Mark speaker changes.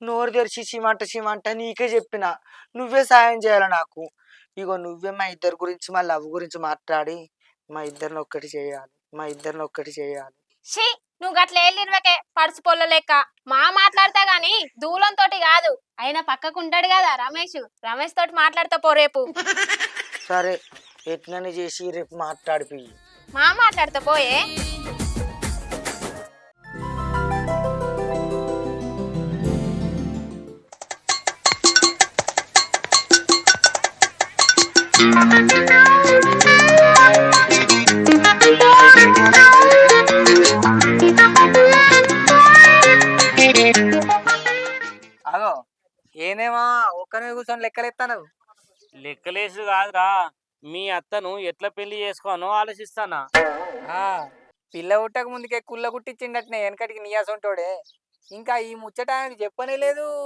Speaker 1: నోరు తెరిచి చీమంట నీకే చెప్పిన. నువ్వే సాయం చేయాలి నాకు. ఇగో నువ్వే మా ఇద్దరి గురించి మా లవ్ గురించి మాట్లాడి మా ఇద్దరిని ఒక్కటి చేయాలి.
Speaker 2: షీ నువ్వు గట్ల ఏళ్ళిర్వకే పడుసు పొల్ల లెక్క. మా మాట్లాడతా గాని దూలంతోటి కాదు. అయినా పక్కకుంటాడు కదా రమేష్ తోటి మాట్లాడతా పో రేపు.
Speaker 1: సరే ఎట్లని చేసి రేపు మాట్లాడిపి.
Speaker 2: మా మాట్లాడతా పోయే.
Speaker 3: అగో ఏనేమా ఒక్కనే కూర్చొని లెక్కలెత్తాను.
Speaker 4: లెక్కలేసు కాదురా, మీ అత్తను ఎట్లా పెళ్లి చేసుకోనో ఆలోచిస్తానా.
Speaker 3: పిల్ల పుట్టక ముందుకే కుల్ల కుట్టించిండటనే వెనకటికి నీయాసంటోడే. ఇంకా ఈ ముచ్చట ఆయనకు చెప్పనే లేదు.